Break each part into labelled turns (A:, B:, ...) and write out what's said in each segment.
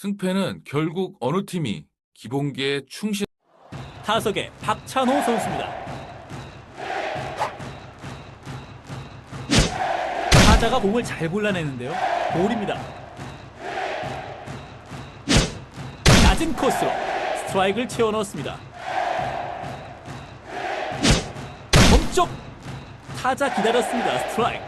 A: 승패는 결국 어느 팀이 기본기에 충실.
B: 타석의 박찬호 선수입니다. 타자가 공을 잘 골라내는데요. 볼입니다. 낮은 코스로 스트라이크를 채워 넣었습니다. 몸쪽 타자 기다렸습니다. 스트라이크.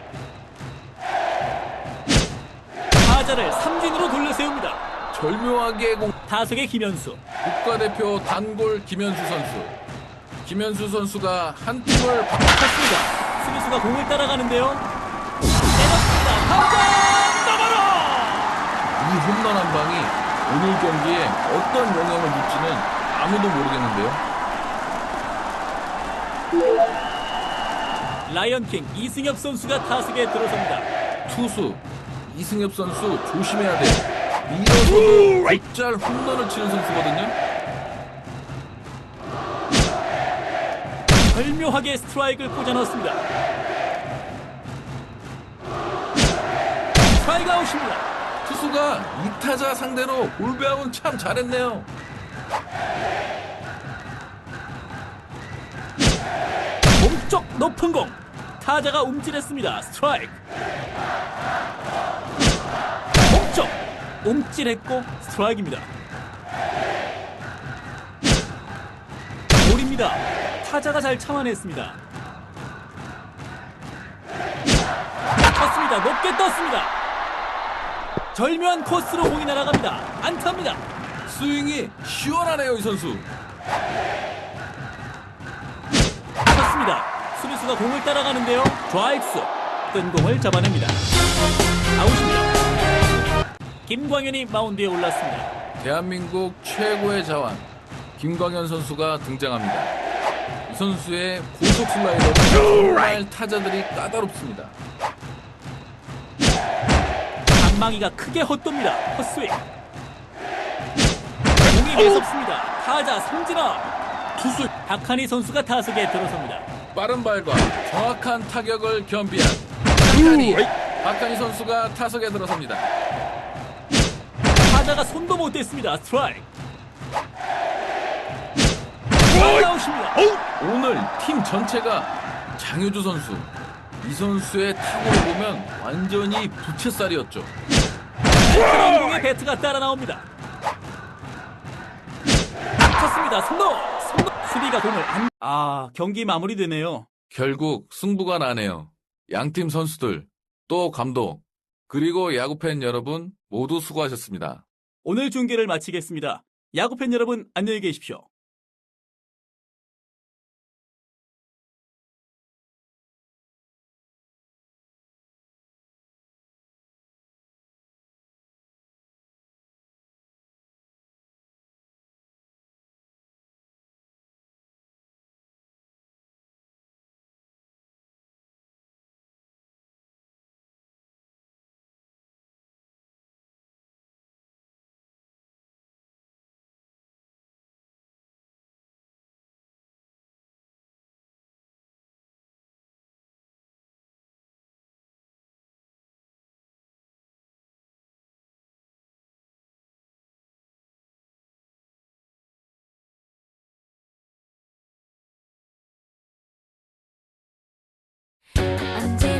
B: 타자를 삼진으로 돌려세웁니다.
A: 절묘하게
B: 타석의 김현수.
A: 국가대표 단골 김현수 선수. 김현수 선수가 한 팀을
B: 쳤습니다. 수비수가 공을 따라가는데요. 때렸습니다. 타자 너머로.
A: 이 홈런 한 방이 오늘 경기에 어떤 영향을 줄지는 아무도 모르겠는데요.
B: 라이언킹 이승엽 선수가 타석에 들어섭니다.
A: 투수 이승엽 선수 조심해야 돼요. 밀어서도 곧잘 홈런을 치는 선수거든요.
B: 절묘하게 스트라이크를 꽂아 넣었습니다. 스트라이크 아웃입니다.
A: 투수가 이타자 상대로 볼배합은 참 잘했네요.
B: 몸쪽 높은 공. 타자가 움찔했습니다. 스트라이크. 몸쪽 움찔했고 스트라이크입니다. 볼입니다. 타자가 잘 참아냈습니다. 떴습니다. 높게 떴습니다. 절묘한 코스로 공이 날아갑니다. 안타입니다.
A: 스윙이 시원하네요, 이 선수.
B: 쳤습니다. 수비수가 공을 따라가는데요. 좌익수 뜬 공을 잡아냅니다. 아웃입니다. 김광현이 마운드에 올랐습니다.
A: 대한민국 최고의 자완 김광현 선수가 등장합니다. 이 선수의 고속 슬라이더는 정말 타자들이 까다롭습니다.
B: 방망이가 크게 헛돕니다. 헛스윙. 공이 매섭습니다. 타자 삼진아.
A: 투수
B: 박한희 선수가 타석에 들어섭니다.
A: 빠른 발과 정확한 타격을 겸비한 박한희 선수가 타석에 들어섭니다.
B: 타자가 손도 못 댔습니다. 스트라이크. 아웃입니다.
A: 오늘 팀 전체가 장효주 선수, 이 선수의 타구를 보면 완전히 부채살이었죠.
B: 그런 공에 배트가 따라 나옵니다. 쳤습니다. 손도 수비가 공을 안. 경기 마무리되네요.
A: 결국 승부가 나네요. 양팀 선수들, 또 감독, 그리고 야구팬 여러분 모두 수고하셨습니다.
B: 오늘 중계를 마치겠습니다. 야구팬 여러분 안녕히 계십시오.
C: 언제